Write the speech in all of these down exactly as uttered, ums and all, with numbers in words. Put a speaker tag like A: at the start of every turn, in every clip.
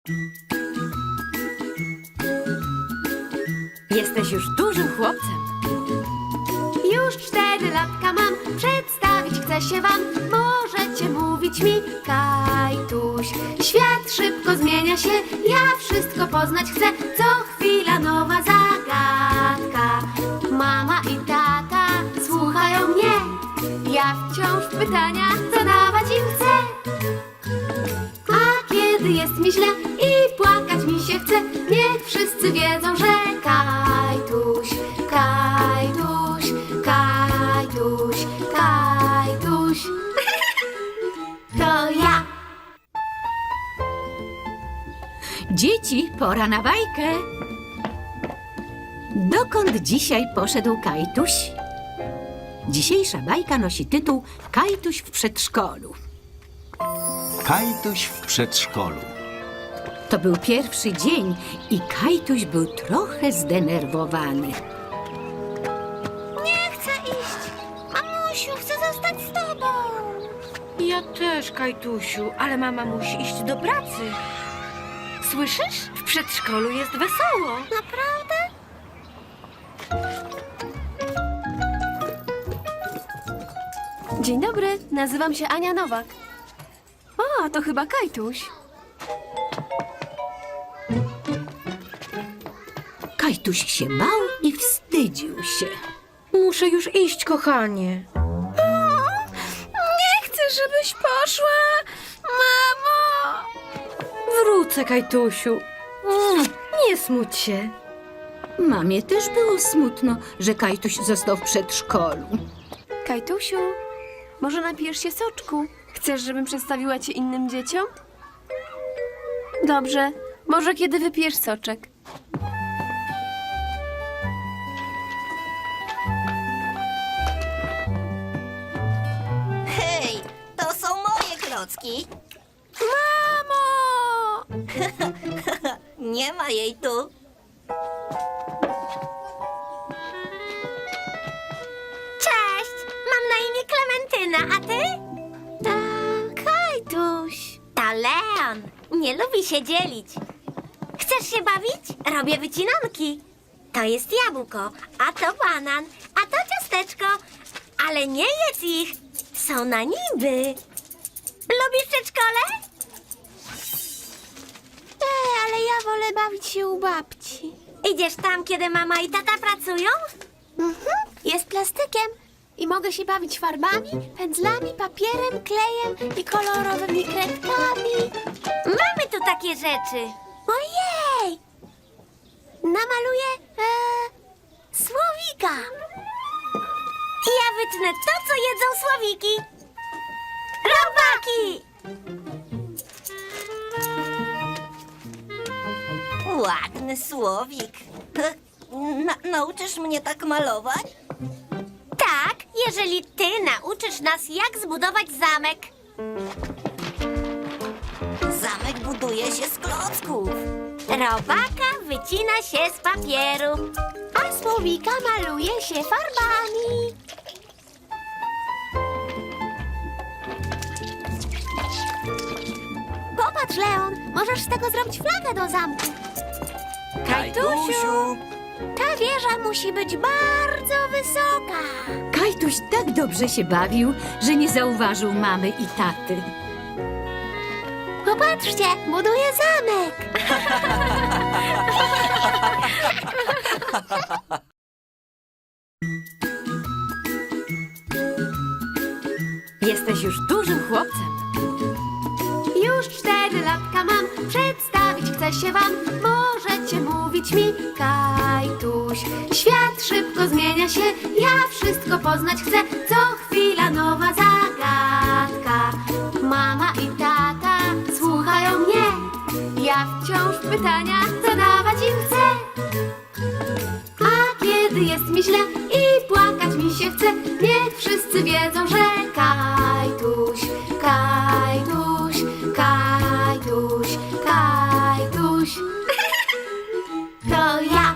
A: Jesteś już dużym chłopcem.
B: Już cztery latka mam, przedstawić chcę się wam. Możecie mówić mi Kajtuś. Świat szybko zmienia się, ja wszystko poznać chcę. Co chwila nowa zagadka. Mama i tata słuchają mnie. Ja wciąż pytania zadawać im chcę. A kiedy jest mi źle i płakać mi się chce, niech wszyscy wiedzą, że Kajtuś, Kajtuś, Kajtuś, Kajtuś. To ja.
A: Dzieci, pora na bajkę. Dokąd dzisiaj poszedł Kajtuś? Dzisiejsza bajka nosi tytuł Kajtuś w przedszkolu.
C: Kajtuś w przedszkolu.
A: To był pierwszy dzień i Kajtuś był trochę zdenerwowany.
B: Nie chcę iść. Mamusiu, chcę zostać z tobą.
D: Ja też, Kajtusiu, ale mama musi iść do pracy. Słyszysz? W przedszkolu jest wesoło.
B: Naprawdę? Dzień dobry, nazywam się Ania Nowak. O, to chyba Kajtuś.
A: Kajtuś się bał i wstydził się.
D: Muszę już iść, kochanie.
B: Nie chcę, żebyś poszła, mamo.
D: Wrócę, Kajtusiu. Mm, Nie smuć się.
A: Mamie też było smutno, że Kajtuś został w przedszkolu.
B: Kajtusiu, może napijesz się soczku? Chcesz, żebym przedstawiła cię innym dzieciom? Dobrze, może kiedy wypijesz soczek.
E: Hej, to są moje klocki.
B: Mamo!
E: Nie ma jej tu.
B: Cześć, mam na imię Klementyna, a ty? A, Kajtuś.
E: To Leon. Nie lubi się dzielić. Chcesz się bawić? Robię wycinanki. To jest jabłko, a to banan, a to ciasteczko. Ale nie jedz ich. Są na niby. Lubisz przedszkole?
B: Ej, ale ja wolę bawić się u babci.
E: Idziesz tam, kiedy mama i tata pracują?
B: Mhm. Jest plastykiem i mogę się bawić farbami, pędzlami, papierem, klejem i kolorowymi kredkami.
E: Mamy tu takie rzeczy.
B: Ojej! Namaluję e, słowika.
E: Ja wytnę to, co jedzą słowiki. Robaki! Ładny słowik. Na, nauczysz mnie tak malować? Tak, jeżeli ty nauczysz nas, jak zbudować zamek. Zamek buduje się z klocków. Robaka wycina się z papieru.
B: A słowika maluje się farbami. Popatrz, Leon, możesz z tego zrobić flagę do zamku.
D: Kajtusiu!
B: Ta wieża musi być bardzo wysoka.
A: Kajtuś tak dobrze się bawił, że nie zauważył mamy i taty.
B: Popatrzcie, buduję zamek.
A: Jesteś już dużym chłopcem.
B: Już cztery latka mam, przedstawić chcę się wam. Możecie mówić mi Kajtuś. Świat szybko zmienia się, ja wszystko poznać chcę. Co chwila nowa zagadka. Mama i tata słuchają mnie. Ja wciąż pytania zadawać im chcę. A kiedy jest mi źle i płakać mi się chce, niech wszyscy wiedzą, że Kajtuś, Kajtuś, Kajtuś, Kajtuś. To ja.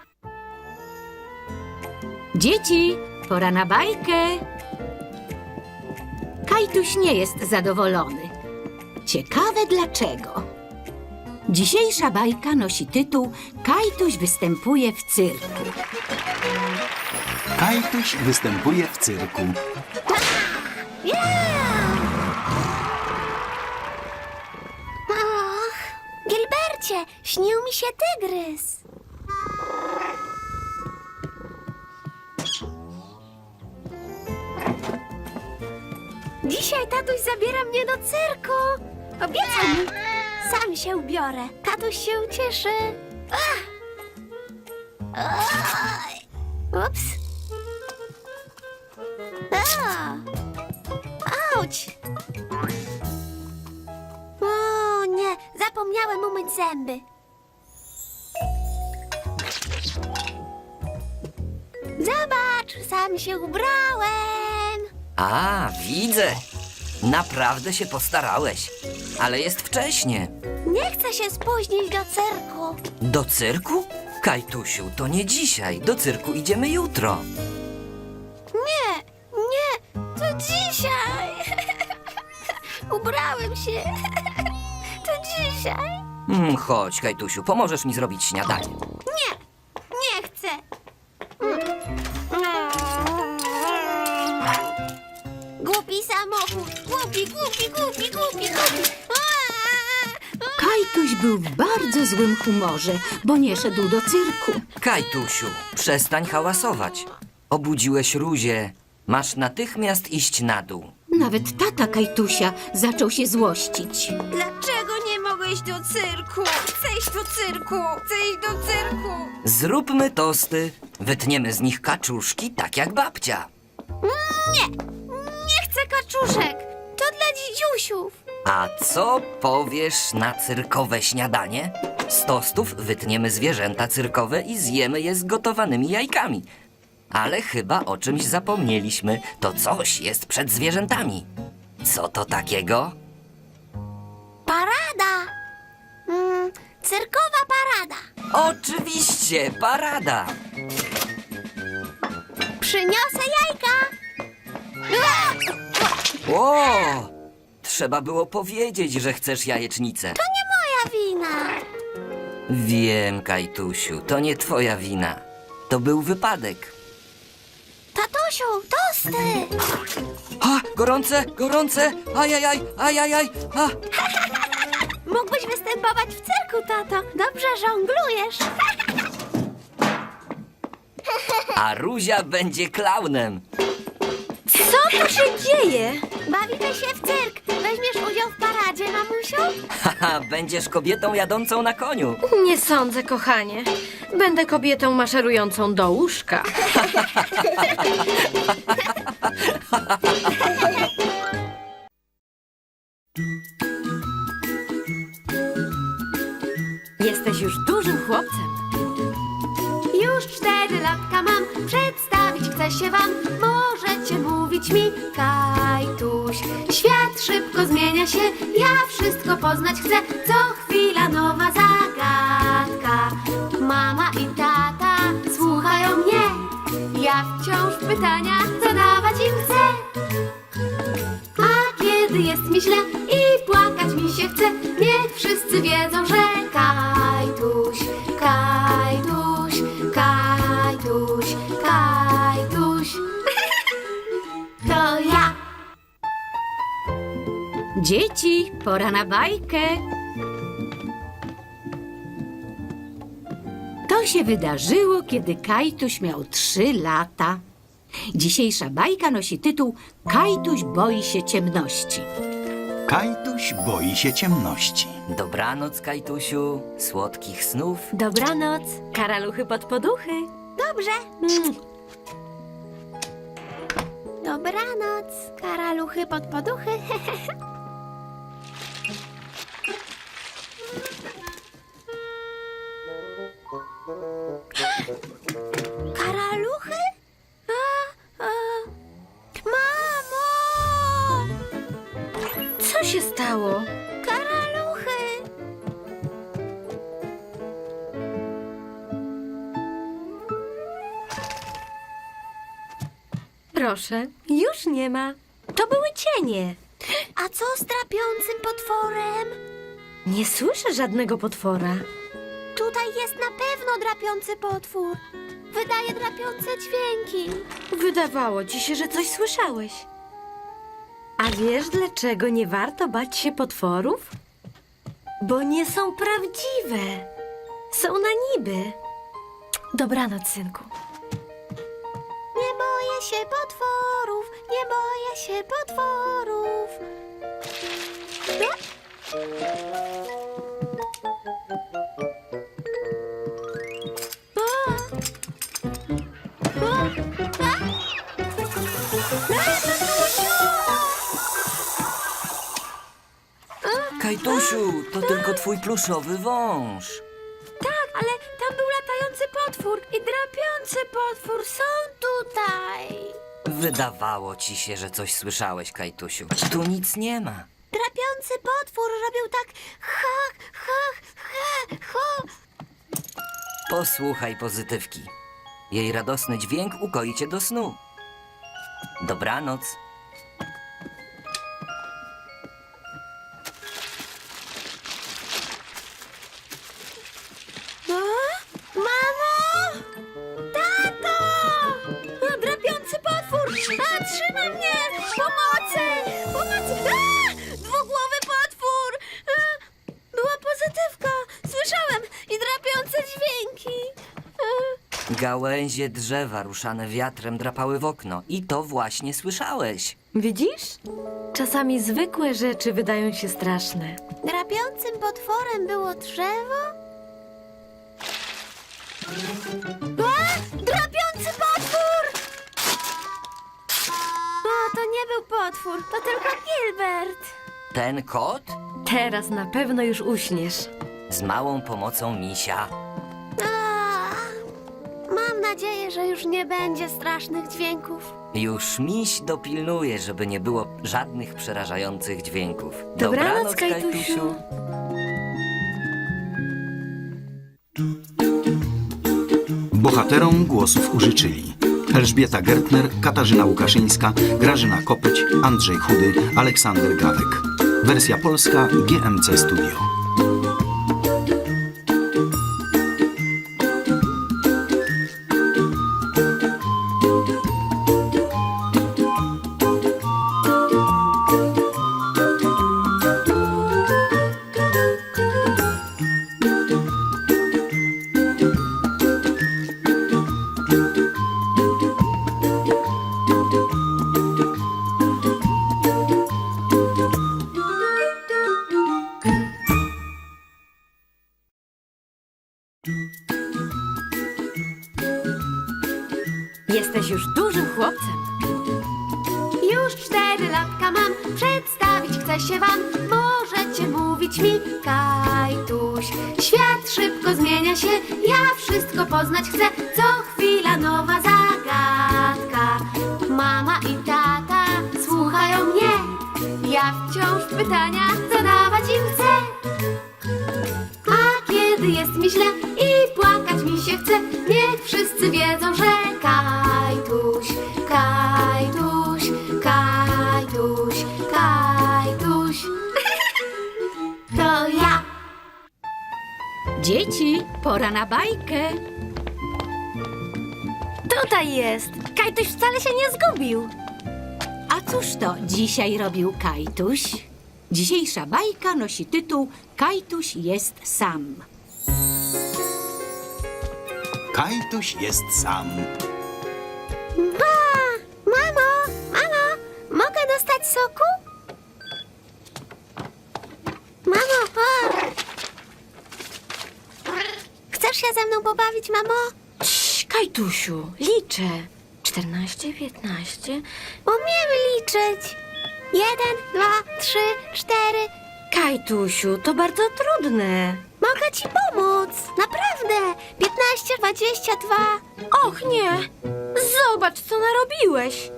A: Dzieci, pora na bajkę. Kajtuś nie jest zadowolony. Ciekawe dlaczego. Dzisiejsza bajka nosi tytuł Kajtuś występuje w cyrku.
C: Kajtuś występuje w cyrku.
B: Och, Gilbercie, śnił mi się tygrys. Dzisiaj tatuś zabiera mnie do cyrku. Obiecał mi. Sam się ubiorę. Tatuś się ucieszy. Ach. Oj. Ups. A. Auć. O nie, zapomniałem umyć zęby. Zobacz, sam się ubrałem.
F: A, widzę. Naprawdę się postarałeś. Ale jest wcześnie.
B: Nie chcę się spóźnić do cyrku.
F: Do cyrku? Kajtusiu, to nie dzisiaj. Do cyrku idziemy jutro.
B: Nie, nie, to dzisiaj. Ubrałem się. To dzisiaj.
F: Mm, chodź, Kajtusiu, pomożesz mi zrobić śniadanie.
B: Nie, nie chcę. Głupi samochód. Głupi, głupi, głupi, głupi, głupi.
A: Kajtuś był w bardzo złym humorze, bo nie szedł do cyrku.
F: Kajtusiu, przestań hałasować. Obudziłeś Ruzię. Masz natychmiast iść na dół.
A: Nawet tata Kajtusia zaczął się złościć.
D: Dlaczego nie mogę iść do cyrku? Chcę iść do cyrku! Chcę iść do cyrku!
F: Zróbmy tosty. Wytniemy z nich kaczuszki, tak jak babcia.
B: Nie chcę kaczuszek. To dla dzidziusiów.
F: A co powiesz na cyrkowe śniadanie? Z tostów wytniemy zwierzęta cyrkowe i zjemy je z gotowanymi jajkami. Ale chyba o czymś zapomnieliśmy. To coś jest przed zwierzętami. Co to takiego?
B: Parada. Mm, cyrkowa parada.
F: Oczywiście, parada.
B: Przyniosę jajka.
F: O! Trzeba było powiedzieć, że chcesz jajecznicę.
B: To nie moja wina.
F: Wiem, Kajtusiu, to nie twoja wina. To był wypadek.
B: Tatusiu, tosty.
F: A, gorące, gorące! Ajajaj, ajajaj! A!
B: Mógłbyś występować w cyrku, tato. Dobrze żonglujesz.
F: A Ruzia będzie klaunem.
D: Co tu się dzieje?
B: Bawimy się w cyrk. Weźmiesz udział w paradzie, mamusiu?
F: Haha, będziesz kobietą jadącą na koniu.
D: Nie sądzę, kochanie. Będę kobietą maszerującą do łóżka. Jesteś już dużym chłopcem.
B: Już cztery latka mam. Przedstawić chcę się wam. Możecie mówić mi Kajtuś. Świat szybko zmienia się. Ja wszystko poznać chcę. Co chwila nowa zagadka. Mama i tata słuchają mnie. Ja wciąż pytania zadawać im chcę. A kiedy jest mi źle i płakać mi się chce, niech wszyscy wiedzą, że Kajtuś, Kajtuś, Kajtuś, Kajtuś. To ja.
A: Dzieci, pora na bajkę. To się wydarzyło, kiedy Kajtuś miał trzy lata. Dzisiejsza bajka nosi tytuł Kajtuś boi się ciemności.
C: Kajtuś boi się ciemności.
F: Dobranoc, Kajtusiu. Słodkich snów.
D: Dobranoc, karaluchy pod poduchy.
B: Dobrze. Dobranoc, karaluchy pod poduchy. Karaluchy? A, a. Mamo!
D: Co się stało?
B: Karaluchy!
D: Proszę, już nie ma. To były cienie.
B: A co z trapiącym potworem?
D: Nie słyszę żadnego potwora.
B: Tutaj jest na pewno drapiący potwór. Wydaje drapiące dźwięki.
D: Wydawało ci się, że coś słyszałeś. A wiesz, dlaczego nie warto bać się potworów? Bo nie są prawdziwe. Są na niby. Dobranoc, synku.
B: Nie boję się potworów, nie boję się potworów.
F: Kajtusiu, to tylko twój pluszowy wąż.
B: Tak, ale tam był latający potwór i drapiący potwór. Są tutaj.
F: Wydawało ci się, że coś słyszałeś, Kajtusiu. Tu nic nie ma.
B: Drapiący potwór robił tak ha, ha, ha, ha.
F: Posłuchaj pozytywki. Jej radosny dźwięk ukoi cię do snu. Dobranoc.
B: A? Mamo! Tato! A, drapiący potwór! A, trzyma mnie! Pomocy! Pomocy! A! Dwugłowy potwór! A, była pozytywka! Słyszałem! I drapiące dźwięki! A,
F: Gałęzie drzewa ruszane wiatrem drapały w okno. I to właśnie słyszałeś.
D: Widzisz? Czasami zwykłe rzeczy wydają się straszne.
B: drapiącym potworem było drzewo? A! Drapiący potwór! O, to nie był potwór, to tylko Gilbert.
F: Ten kot?
D: Teraz na pewno już uśniesz.
F: Z małą pomocą misia.
B: A, mam nadzieję, że już nie będzie strasznych dźwięków.
F: Już miś dopilnuje, żeby nie było żadnych przerażających dźwięków.
D: Dobranoc, Kajtusiu.
C: Bohaterom głosów użyczyli Elżbieta Gertner, Katarzyna Łukaszyńska, Grażyna Kopeć, Andrzej Chudy, Aleksander Gawek. Wersja polska G M C Studio.
D: Jesteś już dużym chłopcem.
B: Już cztery latka mam, przedstawić chcę się wam. Możecie mówić mi Kajtuś. Świat szybko zmienia się, ja wszystko poznać chcę. Co chwila nowa zagadka. Mama i tata słuchają mnie. Ja wciąż pytania zadawać im chcę. A kiedy jest mi źle i płakać mi się chce, niech wszyscy wiedzą, że Kajtuś, Kajtuś, Kajtuś, Kajtuś. To ja.
A: Dzieci, pora na bajkę.
D: Tutaj jest. Kajtuś wcale się nie zgubił.
A: A cóż to dzisiaj robił Kajtuś? Dzisiejsza bajka nosi tytuł Kajtuś jest sam.
C: Kajtuś jest sam.
B: Ba! Mamo, mamo, mogę dostać soku? Mamo, o! Chcesz się ze mną pobawić, mamo?
D: Cii, Kajtusiu, liczę. Czternaście, piętnaście.
B: Umiem liczyć. Jeden, dwa, trzy, cztery.
D: Kajtusiu, to bardzo trudne.
B: Mogę ci pomóc. Naprawdę. Piętnaście, dwadzieścia dwa.
D: Och nie! Zobacz, co narobiłeś!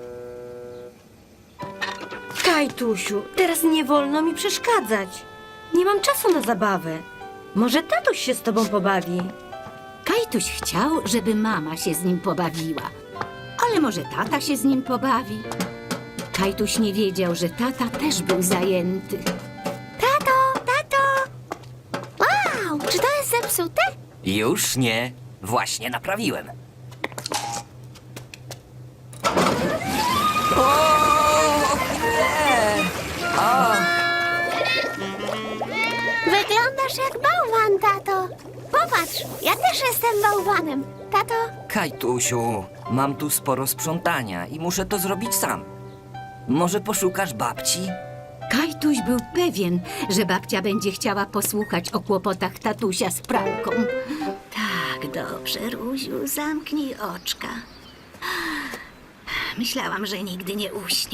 D: Kajtusiu, teraz nie wolno mi przeszkadzać. Nie mam czasu na zabawę. Może tatuś się z tobą pobawi.
A: Kajtuś chciał, żeby mama się z nim pobawiła. Ale może tata się z nim pobawi? Kajtuś nie wiedział, że tata też był zajęty.
B: Tato, tato. zepsute?
F: Już nie. Właśnie naprawiłem. O, nie! O,
B: Wyglądasz jak bałwan, tato. Popatrz, ja też jestem bałwanem. Tato,
F: Kajtusiu, mam tu sporo sprzątania i muszę to zrobić sam. Może poszukasz babci?
A: Kajtuś był pewien, że babcia będzie chciała posłuchać o kłopotach tatusia z pralką. Tak, dobrze, Ruziu, zamknij oczka. Myślałam, że nigdy nie uśnie.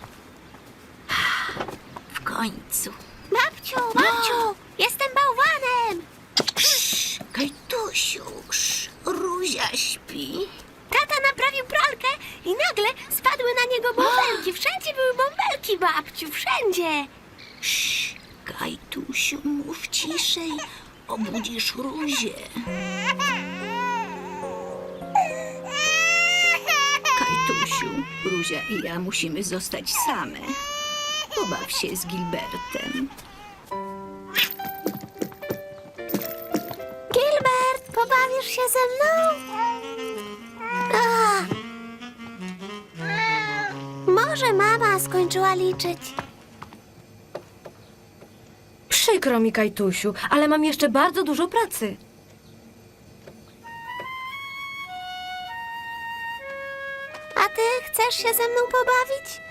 A: W końcu.
B: babciu, babciu, jestem bałwanem.
A: Kajtusiu, Ruzia śpi.
B: Tata naprawił pralkę i nagle spadły na niego bąbelki. Wszędzie były bąbelki, babciu, wszędzie.
A: Kajtusiu, mów ciszej, obudzisz Ruzię. Kajtusiu, Ruzia i ja musimy zostać same. Pobaw się z Gilbertem.
B: Gilbert, pobawisz się ze mną? A. Może mama skończyła liczyć.
D: Przykro mi, Kajtusiu, ale mam jeszcze bardzo dużo pracy.
B: A ty chcesz się ze mną pobawić?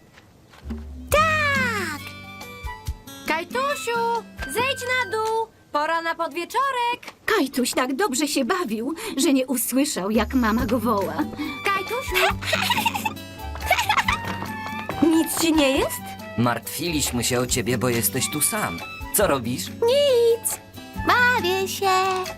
B: Tak!
D: Kajtusiu, zejdź na dół. Pora na podwieczorek.
A: Kajtuś tak dobrze się bawił, że nie usłyszał, jak mama go woła.
D: Kajtusiu. Nic ci nie jest?
F: Martwiliśmy się o ciebie, bo jesteś tu sam. Co robisz?
B: Nic. Bawię się.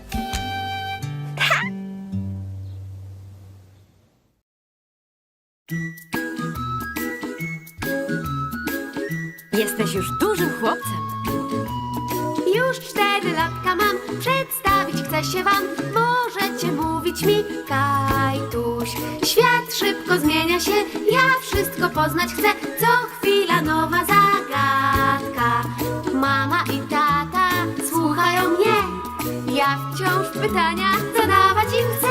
D: Jesteś już dużym chłopcem.
B: Już cztery latka mam, przedstawić chcę się wam. Możecie mówić mi Kajtuś. Świat szybko zmienia się, ja wszystko poznać chcę. Co chwila nowa zagadka. Mama i tata słuchają mnie. Ja wciąż pytania zadawać im chcę.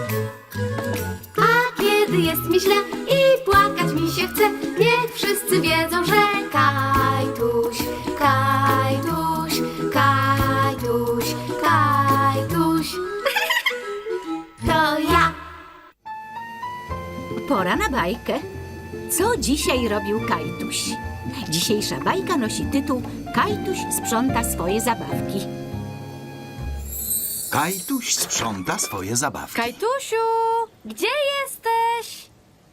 B: A kiedy jest mi źle i płakać mi się chce, niech wszyscy wiedzą, że Kajtuś, Kajtuś, Kajtuś, Kajtuś. To ja.
A: Pora na bajkę. Co dzisiaj robił Kajtuś? Dzisiejsza bajka nosi tytuł Kajtuś sprząta swoje zabawki.
C: Kajtuś sprząta swoje zabawki.
D: Kajtusiu, gdzie jesteś?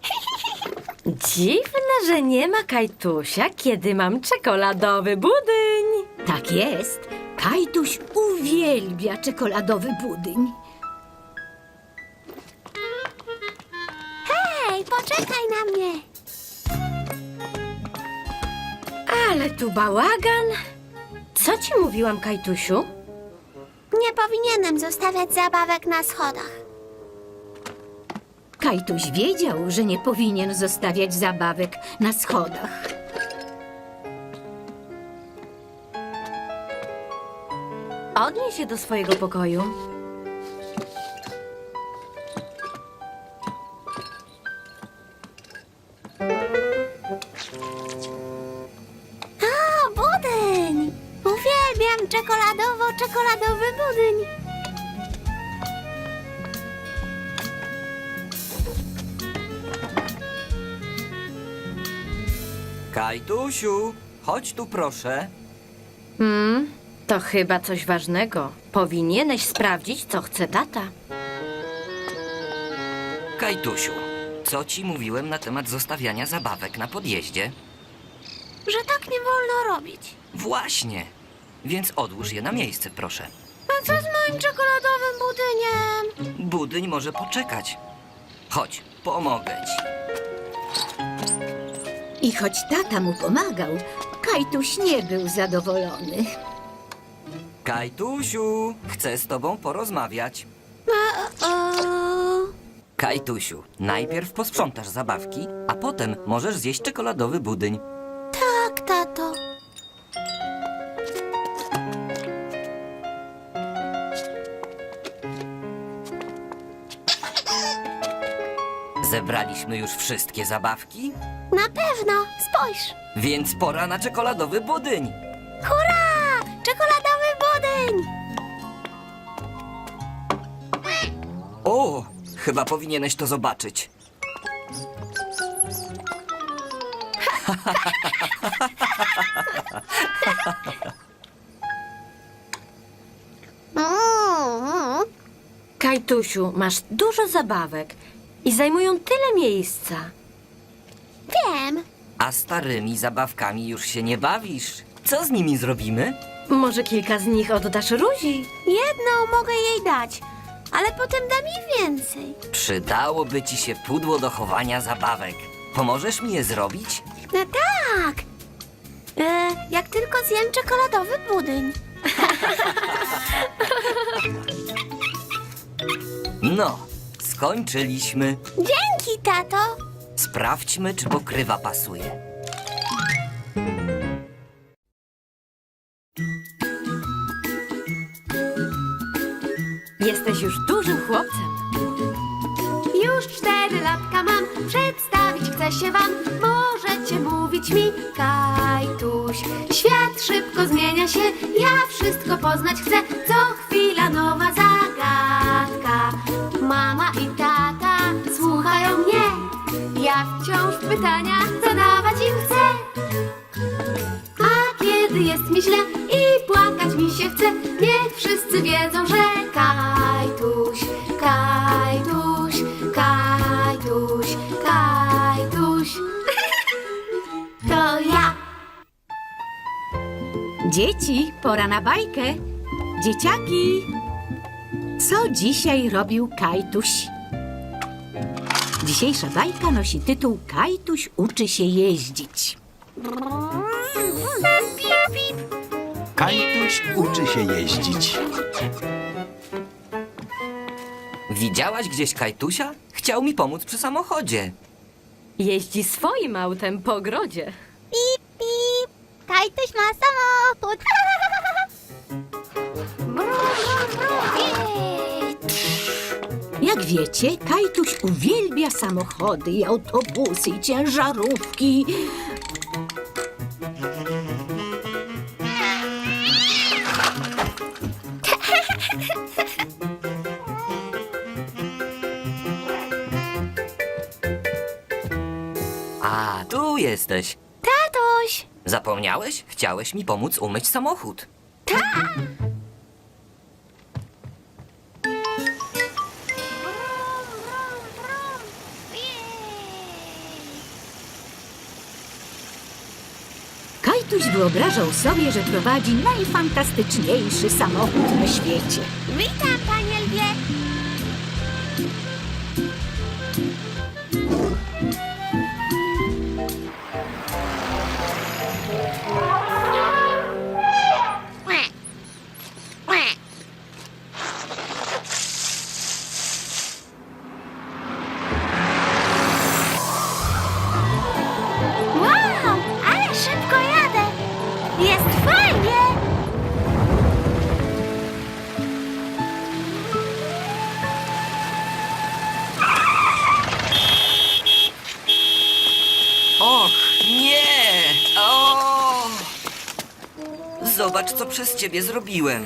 D: Dziwne, że nie ma Kajtusia, kiedy mam czekoladowy budyń.
A: Tak jest. Kajtuś uwielbia czekoladowy budyń.
B: Hej, poczekaj na mnie.
D: Ale tu bałagan. Co ci mówiłam, Kajtusiu?
B: Nie powinienem zostawiać zabawek na schodach.
A: Kajtuś wiedział, że nie powinien zostawiać zabawek na schodach.
D: Odnieś się do swojego pokoju.
B: O, budyń! Uwielbiam czekoladowo-czekoladowy budyń.
F: Kajtusiu, chodź tu proszę.
D: Hmm, to chyba coś ważnego. Powinieneś sprawdzić, co chce tata.
F: Kajtusiu, co ci mówiłem na temat zostawiania zabawek na podjeździe?
B: Że tak nie wolno robić.
F: Właśnie. Więc odłóż je na miejsce, proszę.
B: A co z moim czekoladowym budyniem?
F: Budyń może poczekać. Chodź, pomogę ci.
A: I choć tata mu pomagał, Kajtuś nie był zadowolony.
F: Kajtusiu, chcę z tobą porozmawiać.
B: O,
F: Kajtusiu, najpierw posprzątasz zabawki, a potem możesz zjeść czekoladowy budyń.
B: tak, tato.
F: Zebraliśmy już wszystkie zabawki,
B: Na pewno, spójrz.
F: więc pora na czekoladowy budyń.
B: Hurra! Czekoladowy budyń!
F: O, chyba powinieneś to zobaczyć.
B: Mm,
D: Kajtusiu, masz dużo zabawek i zajmują tyle miejsca.
B: wiem.
F: A starymi zabawkami już się nie bawisz. Co z nimi zrobimy?
D: Może kilka z nich oddasz Ruzi?
B: Jedną mogę jej dać, ale potem dam jej więcej.
F: Przydałoby ci się pudło do chowania zabawek. Pomożesz mi je zrobić?
B: No tak. E, jak tylko zjem czekoladowy budyń.
F: No, skończyliśmy.
B: Dzięki, tato.
F: Sprawdźmy, czy pokrywa pasuje.
D: Jesteś już dużym chłopcem.
B: Już cztery latka mam, przedstawić chcę się wam. Możecie mówić mi Kajtuś. Świat szybko zmienia się, ja wszystko poznać chcę. Co chwila nowa zagadka. Mama i tata słuchają mnie. Ja wciąż pytania zadawać im chcę. A kiedy jest mi źle i płakać mi się chce, niech wszyscy wiedzą, że Kajtuś, Kajtuś, Kajtuś, Kajtuś. To ja.
A: Dzieci, pora na bajkę. Dzieciaki, co dzisiaj robił Kajtuś? Dzisiejsza bajka nosi tytuł Kajtuś uczy się jeździć.
C: Kajtuś uczy się jeździć.
F: Widziałaś gdzieś Kajtusia? Chciał mi pomóc przy samochodzie.
D: Jeździ swoim autem po ogrodzie.
B: Pip, pip. Kajtuś ma samochód. Brum, brum, brum. Jej.
A: Jak wiecie, Kajtuś uwielbia samochody i autobusy i ciężarówki.
F: A, tu jesteś.
B: Tatuś.
F: Zapomniałeś? Chciałeś mi pomóc umyć samochód.
A: Kajtuś wyobrażał sobie, że prowadzi najfantastyczniejszy samochód na świecie.
B: Witam, panie lwie. Wow, ale szybko jadę. Jest fajnie.
F: Och, nie! O! Zobacz, co przez ciebie zrobiłem.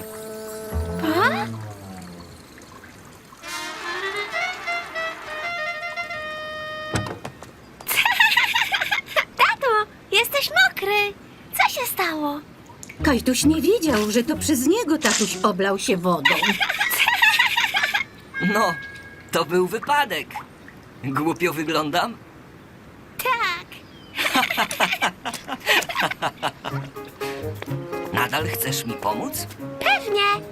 B: Tato, jesteś mokry. Co się stało?
A: Kajtuś nie wiedział, że to przez niego tatuś oblał się wodą.
F: No, to był wypadek. Głupio wyglądam?
B: Tak.
F: Nadal chcesz mi pomóc?
B: Pewnie.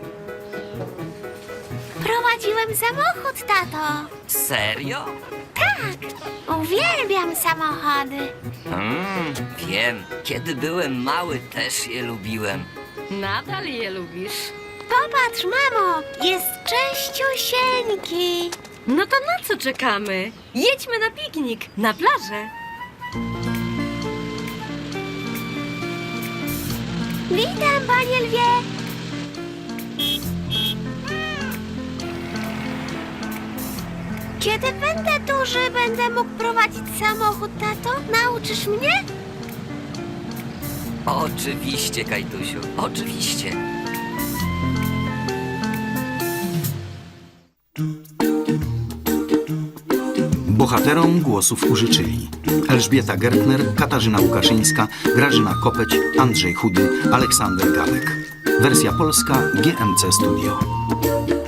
B: Prowadziłem samochód, tato.
F: Serio?
B: Tak. Uwielbiam samochody.
F: Mm, wiem. Kiedy byłem mały, też je lubiłem.
D: Nadal je lubisz.
B: Popatrz, mamo, jest czyściusieńki.
D: No to na co czekamy? Jedźmy na piknik, na plażę.
B: Witam, panie lwie. Kiedy będę duży będę mógł prowadzić samochód, tato? Nauczysz mnie?
F: Oczywiście, Kajtusiu, oczywiście.
C: Bohaterom głosów użyczyli Elżbieta Gertner, Katarzyna Łukaszyńska, Grażyna Kopeć, Andrzej Chudy, Aleksander Gadek. Wersja polska G M C Studio.